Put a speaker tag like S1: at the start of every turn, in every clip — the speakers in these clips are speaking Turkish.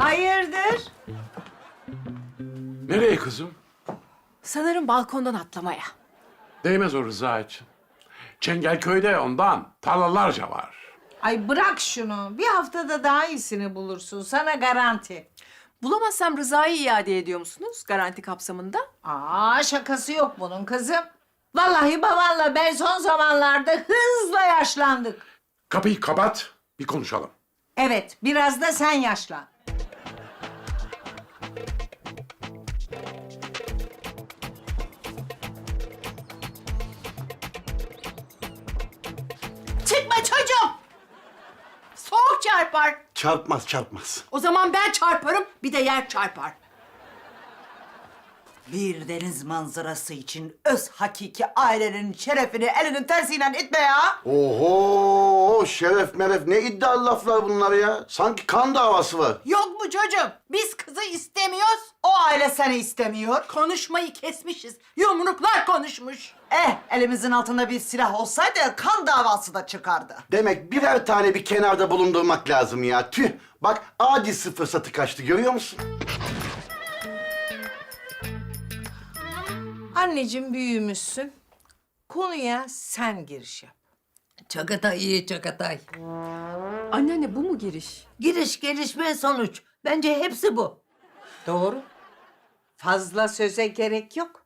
S1: Hayırdır?
S2: Nereye kızım?
S3: Sanırım balkondan atlamaya.
S2: Değmez o Rıza için. Çengelköy'de ondan tarlalarca var.
S1: Ay bırak şunu. Bir haftada daha iyisini bulursun. Sana garanti.
S3: Bulamazsam Rıza'yı iade ediyor musunuz garanti kapsamında?
S1: Aa şakası yok bunun kızım. Vallahi babanla ben son zamanlarda hızla yaşlandık.
S2: Kapıyı kapat, bir konuşalım.
S1: Evet, biraz da sen yaşlan.
S3: Çıkma çocuğum! Soğuk çarpar.
S4: Çarpmaz, çarpmaz.
S3: O zaman ben çarparım, bir de yer çarpar.
S5: Bir deniz manzarası için öz hakiki ailenin şerefini elinin tersiyle itme ya.
S4: Oho, şeref meref ne iddialı laflar bunlar ya. Sanki kan davası var.
S3: Yok mu çocuğum? Biz kızı istemiyoruz.
S5: O aile seni istemiyor.
S3: Konuşmayı kesmişiz. Yumruklar konuşmuş.
S5: Elimizin altında bir silah olsaydı kan davası da çıkardı.
S4: Demek birer tane bir kenarda bulundurmak lazım ya. Tüh, bak acisi fırsatı kaçtı görüyor musun?
S1: Anneciğim büyümüşsün. Konuya sen giriş yap.
S6: Çakatay iyi Çakatay.
S3: Anneanne bu mu giriş?
S6: Giriş gelişme sonuç. Bence hepsi bu.
S1: Doğru. Fazla söze gerek yok.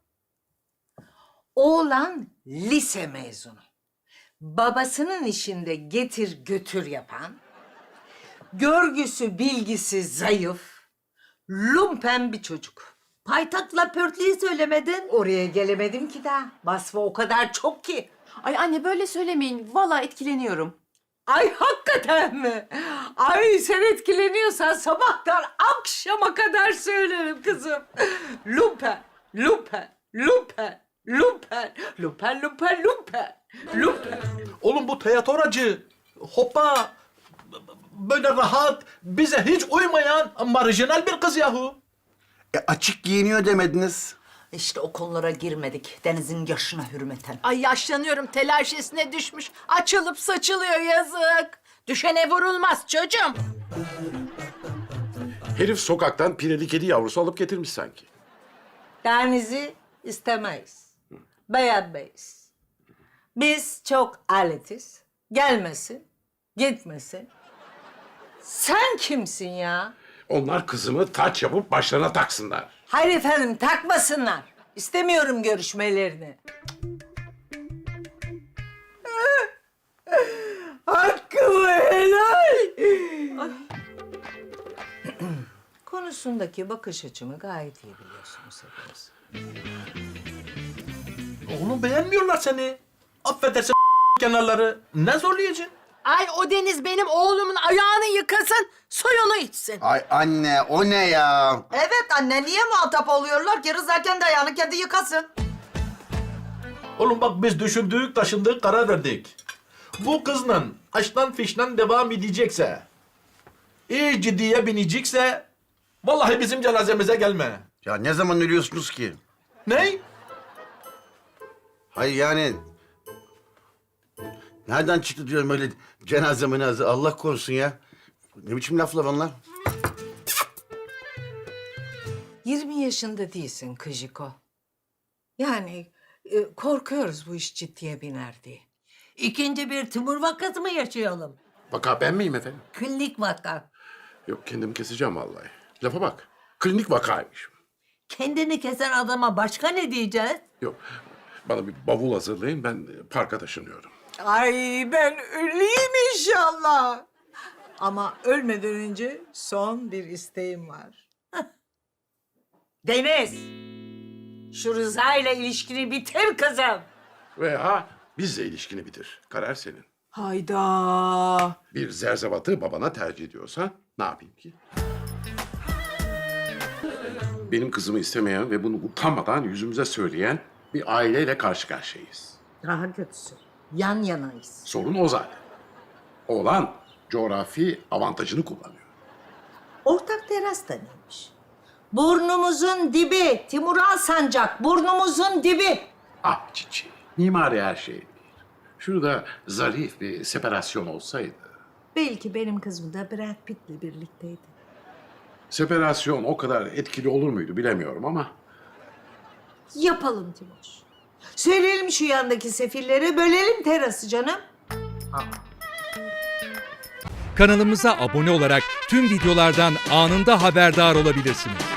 S1: Oğlan lise mezunu. Babasının işinde getir götür yapan, görgüsü bilgisi zayıf, lumpen bir çocuk.
S6: Paytakla pörtleyi söylemedin.
S1: Oraya gelemedim ki daha. Vasfı o kadar çok ki.
S3: Ay anne böyle söylemeyin. Vallahi etkileniyorum.
S1: Ay hakikaten mi? Ay sen etkileniyorsan sabahtan akşama kadar söylerim kızım. Lumpen, lumpen, lumpen, lumpen, lumpen, lumpen, lumpen, lumpen.
S7: Oğlum bu teyatoracı, hoppa, böyle rahat, bize hiç uymayan marjinal bir kız yahu.
S4: Açık giyiniyor demediniz.
S5: İşte o konulara girmedik. Deniz'in yaşına hürmeten.
S3: Ay yaşlanıyorum telaşesine düşmüş. Açılıp saçılıyor yazık. Düşene vurulmaz çocuğum.
S2: Herif sokaktan pireli kedi yavrusu alıp getirmiş sanki.
S1: Deniz'i istemeyiz. Beğenmeyiz. Biz çok aletiz. Gelmesin, gitmesin. Sen kimsin ya?
S2: Onlar kızımı taç yapıp başlarına taksınlar.
S1: Hayır efendim takmasınlar. İstemiyorum görüşmelerini. Hakkımı helal. Konusundaki bakış açımı gayet iyi biliyorsunuz hepiniz.
S7: Oğlum beğenmiyorlar seni. Affedersin kenarları. Ne zorlayacaksın?
S3: Ay o Deniz benim oğlumun ayağını yıkasın, suyunu içsin.
S4: Ay anne, o ne ya?
S5: Evet anne, niye muhatap oluyorlar ki? Rıza kendi ayağını kendi yıkasın.
S7: Oğlum bak biz düşündük, taşındık, karar verdik. Bu kızla aşktan fişten devam edecekse, iyi ciddiye binecekse, vallahi bizim cenazemize gelme.
S4: Ya ne zaman ölüyorsunuz ki?
S7: Ne?
S4: Hayır yani... Nereden çıktı diyorum öyle cenaze menaze, Allah korusun ya. Ne biçim laflar onlar?
S1: 20 yaşında değilsin Kıjiko. Yani korkuyoruz bu iş ciddiye biner diye.
S6: İkinci bir tümör vakası mı yaşayalım?
S2: Vaka ben miyim efendim?
S6: Klinik vaka.
S2: Yok kendimi keseceğim vallahi. Lafa bak. Klinik vakaymış.
S6: Kendini kesen adama başka ne diyeceğiz?
S2: Yok. Bana bir bavul hazırlayın. Ben parka taşınıyorum.
S1: Ay ben öleyim inşallah. Ama ölmeden önce son bir isteğim var. Deniz, şu Rıza ile ilişkini bitir kızım.
S2: Veya bizle ilişkini bitir. Karar senin.
S3: Hayda.
S2: Bir zerzevatı babana tercih ediyorsa ne yapayım ki? Benim kızımı istemeyen ve bunu utanmadan yüzümüze söyleyen bir aileyle karşı karşıyayız.
S1: Daha kötüsü, yan yanayız.
S2: Sorun o zaten. Oğlan coğrafi avantajını kullanıyor.
S1: Ortak teras da neymiş? Burnumuzun dibi, Timuran Sancak, burnumuzun dibi.
S2: Ah çiçeği, mimari her şey değil. Şurada zarif bir separasyon olsaydı.
S1: Belki benim kızım da Brad Pitt'le birlikteydi.
S2: separasyon o kadar etkili olur muydu bilemiyorum ama
S1: Yapalım Timoş. Söyleyelim şu yandaki sefillere, bölelim terası canım.
S8: Kanalımıza abone olarak tüm videolardan anında haberdar olabilirsiniz.